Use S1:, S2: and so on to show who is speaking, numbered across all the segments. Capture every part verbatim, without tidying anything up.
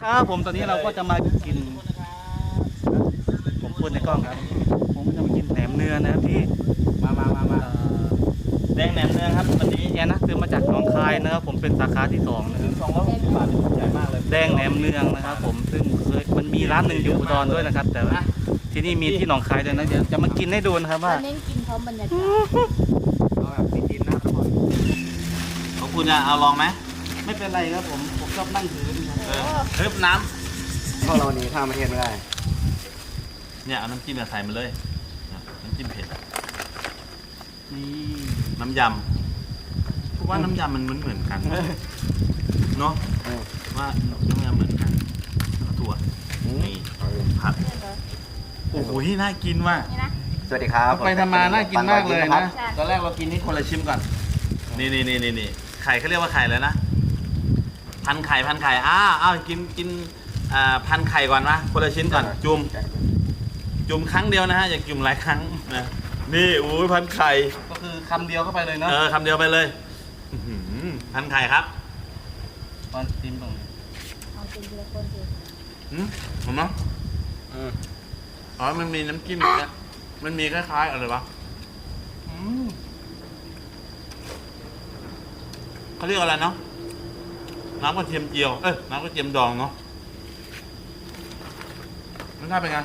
S1: ครับผมตอนนี้เราก็จะมากินผมพูดในกล้องครับผมก็จะมากินแหนมเนื้อนะครับพี่มามามามาแดงแหนมเนื้อครับวันนี้แอนนะซื้อมาจากหนองคายนะครับผมเป็นสาขาที่สองนะครับสองร้อยหกสิบบาทใหญ่มากเลยแดงแหนมเนืองนะครับผมซึ่งเคยมันมีร้านหนึ่งอยู่อุดรด้วยนะครับแต่ว่าที่นี่มีที่หนองคายด้วยนะเดี๋ยวจะมากินให้ดูนะครับว่า
S2: เน้นกินพร้อมบรรยากาศ
S1: เอาแบบกินนะทุกคนของคุณจะเอาลองไหมไม่เป็นไรครับผมผมชอบนั่งถือเออเฮ้ยน้ำ
S3: พวกเราหนีข้ามประเทศไม่ได้
S1: เนี่ยเอาน้ำจิ้มใส่มาเลยน้ำจิ้มเผ็ดนี่น้ำยำเพราะว่าน้ำยำมันเหมือนเหมือนกันเนาะว่าน้ำยำเหมือนกันถั่วนี่ผัดโอ้โหน่ากินว่ะ
S3: สวัสดีครับ
S1: ไปทำมาน่ากินมากเลยนะตอนแรกเรากินนี่คนละชิมก่อนนี่นี่นี่นี่ไข่เขาเรียกว่าไข่เลยนะพันไข่พันไข่อ้าวอ้าวกินกินอ่าพันไข่ก่อนนะคนละชิ้นก่อนจุ่มจุ่มครั้งเดียวนะฮะอย่าจุ่มหลายครั้งนะนี่โอ้ยพันไข่ก็คือคำเดียวเข้าไปเลยเนาะเออคำเดียวไปเลยพันไข่ครับตอนชิมตรงนี้
S2: เอากินทีละคนสิ
S1: อืมเห็นไหมอ๋อมันมีน้ำจิ้มเนี่ยมันมีคล้ายๆอะไรวะเขาเรียกอะไรเนาะน้ำกระเทียมเจียวเอ้ยน้ำกระเทียมดองเนาะรสชาติเป็นไง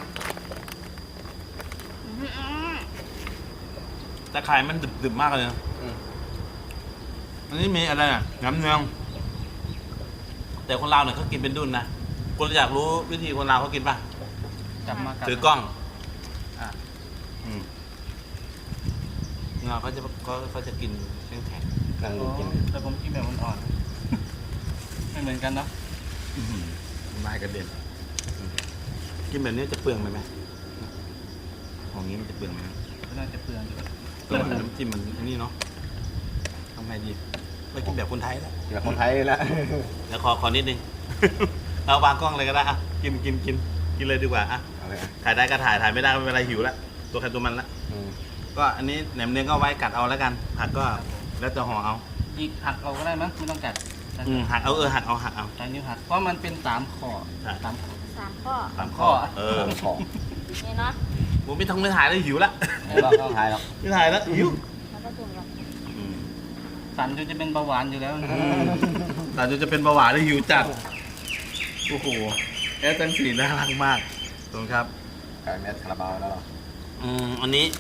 S1: แต่ไข่มันดึบๆมากเลยนะอันนี้มีอะไรอ่ะน้ำเนืองแต่คนลาวเนี่ยเขากินเป็นดุนนะคนอยากรู้วิธีคนลาวเขากินป่ะจับมาถือกล้องอ่ะอืมเราเขาจะเขาเขาจะกินแข็งแข็งแต่ผมกินแบบอ่อนๆไม่เหมือนกันเนาะลายกระเด็นกินแบบนี้จะเปลืองไหมไหมของนี้มันจะเปลืองไหมไม่น่าจะเปลืองก็น้ำจิ้มมันนี่เนาะทำไงดีเรากินแบบคนไทยแล้ว
S3: แบบคนไทยแล้ว
S1: แล้วขอขอนิดนึงเราวางกล้องเลยก็ได้อ่ะกินกินกินกินเลยดีกว่าอ่ะถ่ายได้ก็ถ่ายถ่ายไม่ได้ไม่เป็นไรหิวแล้วตัวใครตัวมันละก็อันนี้แหนมเนื้อก็ไว้กัดเอาแล้วกันผักก็แล้วจะห่อเอาอีกหักเอาก็ได้มั้ยไม่ต้องกัดอืมหักเอาเออหักเอาหักเอาใช้นิ้วหักเพราะมันเป็นสามข้อสามข้อ
S2: สามข้อ
S1: สามข้อเออข้อ
S2: นี่เนาะ
S1: ผมไม่ต้องไม่ถ่ายเลยหิวละ
S3: เราต้องถ่ายหรอก
S1: ไม่ถ่ายแล้วหิว
S2: มันก็จุ่มกัน
S1: สันจนจะเป็นเบาหวานอยู่แล้วสันจนจะเป็นเบาหวานแล้วหิวจัดโอ้โหแอสตันสีน่ารักมากตรงครับ
S3: ไก่เม็ดคาราบาวแล้ว
S1: อืมอันนี้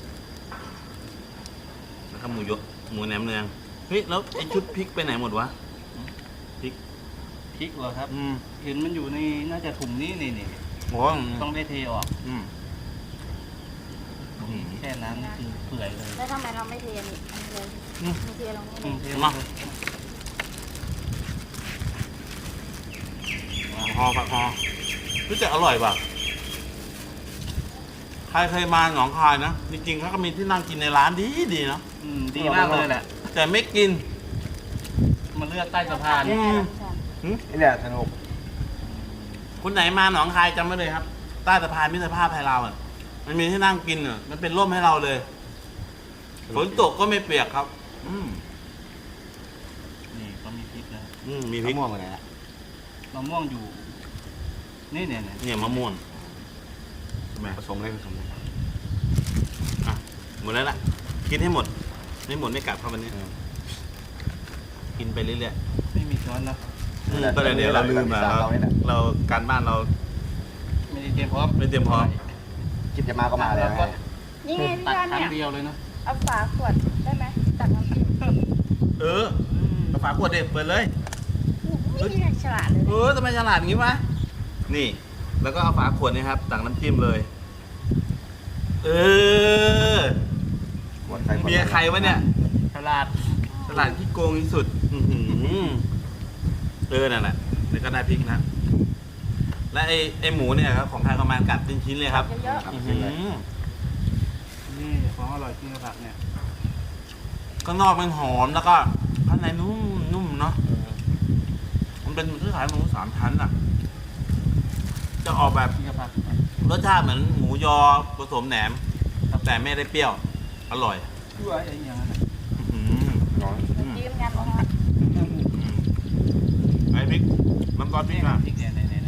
S1: นะครับหมูยกหมูแหนมเนืองเฮ้ยแล้วไอชุดพริกไปไหนหมดวะพริกพริกเหรอครับอืมเห็นมันอยู่ในน่าจะถุงนี้นี่นี่โอ้ต้องได้เทออกอืมแค่นั้นนี่คือเปื่อยเลย
S2: แล้วทำไมเราไม่เทนี่เลยไม่เทลงนี่เท
S1: มาห่อผักห่อรู้จักอร่อยป่ะใครเคยมาหนองคายนะจริงๆเขาก็มีที่นั่งกินในร้านดีดีเนาะดีมากเลยแหละแต่ไม่กินมาเลือกใต้สะพาน
S3: นี่แหละสนุก
S1: คนไหนมาหนองคายจำไว้เลยครับใต้สะพานมิตรภาพไทยลาวอ่ะมันมีที่นั่งกินอ่ะมันเป็นร่มให้เราเลยฝนตกก็ไม่เปียกครับอืมนี่ก็มีพริกนะอืมมีพริก
S3: มะม่วงอะไรอ่ะ
S1: มะม่วงอยู่นี่เนี่ยเนี่ยมะม่วง
S3: ผสมเลยผสมเลย
S1: อ่ะหมดแล้วล่ะกินให้หมดไม่หมดไม่กลับครับวันนี้กินไปเรื่อยๆไม่มีช้อนนะก็เลยเดี๋ยวเราลืมมาเราการบ้านเราไม่ได้เตรียมพร้อมไม่เตรียมพร้อม
S3: คิดจะมาก็มาเลย
S2: นี่ไงพี่ยอนเนี่ย
S1: เดียวเลยนะ
S2: เอาฝาขวดได้ไหมตักน้ำจิ้ม
S1: เออเอาฝาขวดเด็ดเปิดเลย
S2: นี่ฉลาดเลย
S1: เออทำไมฉลาดอย่างนี้วะนี่แล้วก็เอาฝาขวดนี่ครับตักน้ำจิ้มเลยเออเมียใครวะเนี่ยฉลาดฉลาดที่โกงที่สุดเออนั่นแหละแล้วก็ได้พริกนะและไอ้ไอ้หมูเนี่ยครับของใครประมาณกัดเป็นชิ้นเลยครับนี่ของอร่อยจริงครับเนี่ยข้างนอกมันหอมแล้วก็ข้างในนุ่มนุ่มเนาะมันเป็นที่ขายหมูสามชั้นอ่ะจะออกแบบรสชาติเหมือนหมูยอผสมแหนมแต่ไม่ได้เปรี้ยวอร่อยด้วยอะไรอย่างเงี้ย
S2: จิ้มกันนะ
S1: ไอ้พริกน้ำซอสพริกอ่ะพริกเนี่ย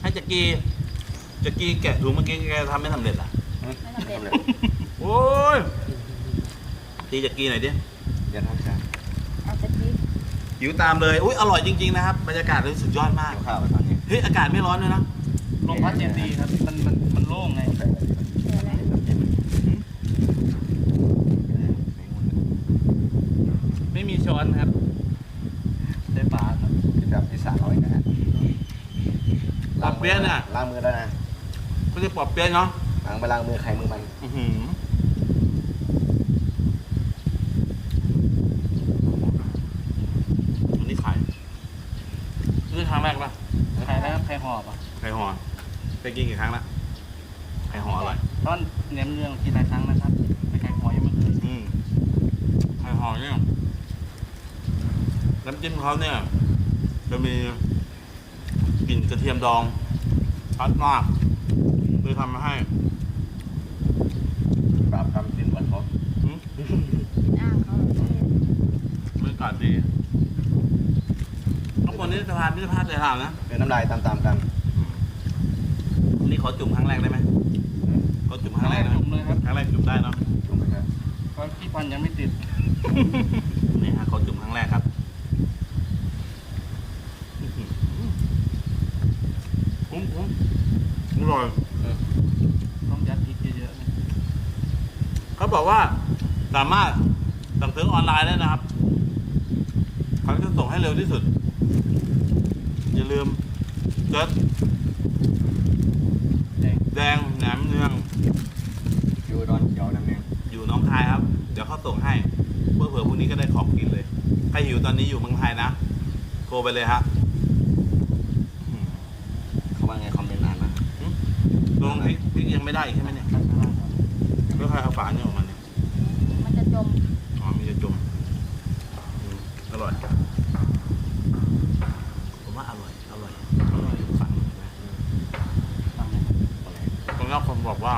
S1: จักรีจักรีแกะถุงเมื่อกี้แกทำไม่สำเร็จอ่ะ
S2: ไม่สำเร็จ
S3: เลย
S1: โอ้ยตีจักรีหน่อยดิ
S3: เดี๋ยวทำจาน
S2: เอาตะกี้
S1: หิวตามเลยอุ้ยอร่อยจริงๆนะครับบรรยากาศเลยสุดยอดมาก
S3: เอาข้าวไปตอนนี้
S1: เฮ้ยอากาศไม่ร้อนเลยนะ
S4: ลมพัดเย็นดีครับ มันมันมันโล่งไง
S3: ใส่อะไรดี
S2: เดี๋ยวนะ
S4: ไม่มีช้อนครับใช้ปากครับ
S3: ที่แบบที่สามร้อยนะฮะ
S1: ปอบเปี๊ยะเนี่ย
S3: ล้างมือแล้วนะ
S1: เขาเรียกปอบเปี๊ยะเนาะ
S3: ล้างไปล้างมือใครมือมัน
S1: อื้อหืออันนี้ไข่นี่ครั้งแรกป่ะ
S4: ใครแล้วใครหอบอ่ะ
S1: ไข่ห่อไปกินกี่ครั้งละไข่ห่ออร่อย
S4: ตอนเน้มเรื่องกินหลายครั้งนะครับแต่ไข่หอยังไม่เคย
S1: อืมไข่ห่อเนี่ยน้ำจิ้มเขาเนี่ยจะมีกลิ่นกระเทียมดองชัดมากเลยทำมาให้
S3: ปราบคำกินหวานเขา
S1: อืม
S2: อ้างเขาเหรอบ
S1: รรยากาศดีทุกคนนี้สะพานพิพิธภัณฑ์เลยถามนะ
S3: เดินน้ำลายตามๆกัน
S1: อันนี้ขอจุ่มครั้งแรกได้ไหมขอจุ่มค
S4: ครั้
S1: รั้
S4: ง
S1: ง
S4: แร
S1: แร
S4: ก
S1: กนะ
S4: จุ่มเลยครับ
S1: ครั้งแรกจุ่มได้เนาะ
S3: จุ่มไปครับ
S4: เพราะพี่พันธุ์ยังไม่ติด
S1: นี่ฮะขอจุ่มครั้งแรกครับคุ้มคุ้มอร่อย
S4: ต้องยัดพริกเยอะๆนะ
S1: เขาบอกว่าสามารถสั่งซื้อออนไลน์ได้นะครับเขาจะส่งให้เร็วที่สุด อย่าลืมเจิด
S4: แดง
S1: แดงแหนมเนือง
S3: อยู่ดอนเขียวน้ำเนียง
S1: อยู่หน้องคายครับ เดี๋ยวเขาส่งให้เพื่อเผื่อพรุ่งนี้ก็ได้ของกินเลย ใครหิวตอนนี้อยู่เมืองไทยนะโทรไปเลยฮะอืม
S3: เขาว่าไงคอมเมนต์นานนะ
S1: ลงพริกพริกยังไม่ได้อีกใช่ไหมเนี่ยแล้วใครเอาฝาเนี่ยออกมาเนี่ย
S2: มันจะจม
S1: อ๋อมีจะจมอืมอร่อยผมว่าอร่อยอร่อยอร่อยฝังนะ
S4: ฟังนะ
S1: ตรงนี้คนบอกว่า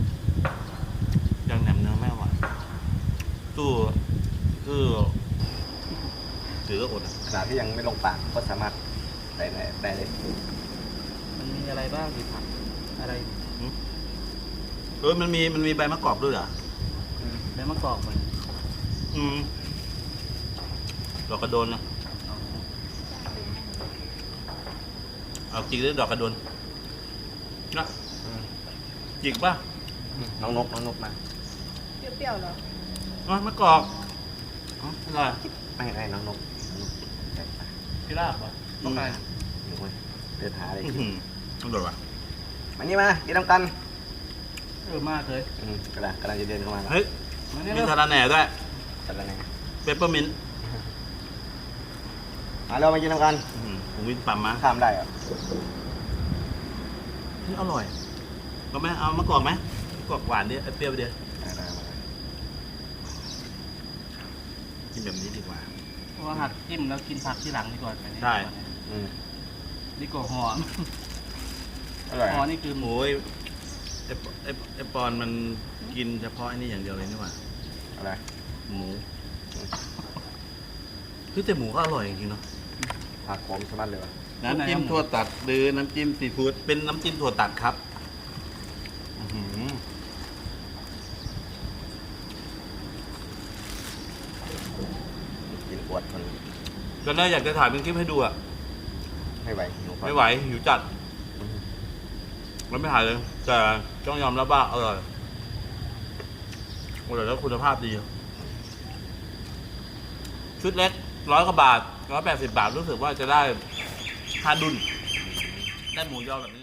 S1: ยังแหนมเนื้อไม่อร่อยตู้คือถือก็อดอะ
S3: ขนาดที่ยังไม่ลงปากก็สามารถได้ได้ได้เลย
S4: มันมีอะไรบ้างที่ผักอะไร
S1: เออมันมีมันมีใบมะกอกด้วยเหรอ
S4: แล้วมะกอกมัน
S1: อืมดอกกระโดนนะ
S4: เอา
S1: เอาจิกด้วยดอกกระโดนนะจิกป่ะ
S3: น้องนกน้องนกมา
S2: เปรี้ยวๆเหรอ
S1: อ๋อมะกอกอ๋ออร่อย
S3: ไม่ไม่น้องนกน้องนกใช่ปะ
S4: พี่ลาบอ่ะต้องไป
S3: หนูเว้ยเดินหาอะไร
S1: อื้อ
S3: กิน
S1: หืออร่อยว่ะ
S3: มานี่มากินน้ำกัน
S4: เออมากเลย
S3: อืมกำลังกำลังจะเดินเข้ามาแล้ว
S1: เฮ้ย
S4: มาเนี่ย
S1: มี
S4: เร็ว
S1: สาระแหน่ด้วย
S3: จัดแล้วไง
S1: เปปเปอร์มินต์
S3: มาเรามากินน้ำกัน
S1: อื้อหือผมวินปั๊มมา
S3: ข้ามได้เหรอ
S1: เฮ้ยอร่อยก็ไหมเอามะกอกไหมมะกอกหวานดิเอาเปรี้ยวไปเดียว
S3: ได้ได้มา
S1: กินแบบนี้ดีกว่า
S4: เพราะว่าหักจิ้มแล้วกินผักที่หลังดีกว่าแบบนี้
S1: ใช่
S3: อืม
S4: ดีกว่าหอม
S3: อร่อย
S4: หอ
S3: อะ
S4: นี่คือหมู
S1: โอ้ยไอปไอไอปอนมันกินเฉพาะไอ้นี่อย่างเดียวเลยนี่หว่า
S3: อะไร
S1: หมูคือแต่หมูก็อร่อยจริงๆเนาะ
S3: ผักผมสมัครเลยวะ
S1: น้ำจิ้มถั่วตัดหรือน้ำจิ้มซีฟู้ดเป็นน้ำจิ้มถั่วตัดครับอื้อหือ
S3: กินปวดคน
S1: ตอนแรกอยากจะถ่ายเป็นคลิปให้ดูอะ
S3: ไม่ไหวหิว
S1: ไม่ไหวหิวจัดแล้วไม่ถ่ายเลย แต่ต้องยอมรับว่าอร่อยอร่อยแล้วคุณภาพดี ชุดเล็กร้อยกว่าบาทร้อยแปดสิบบาทรู้สึกว่าจะได้ห้าดุนได้หมูยอแบบนี้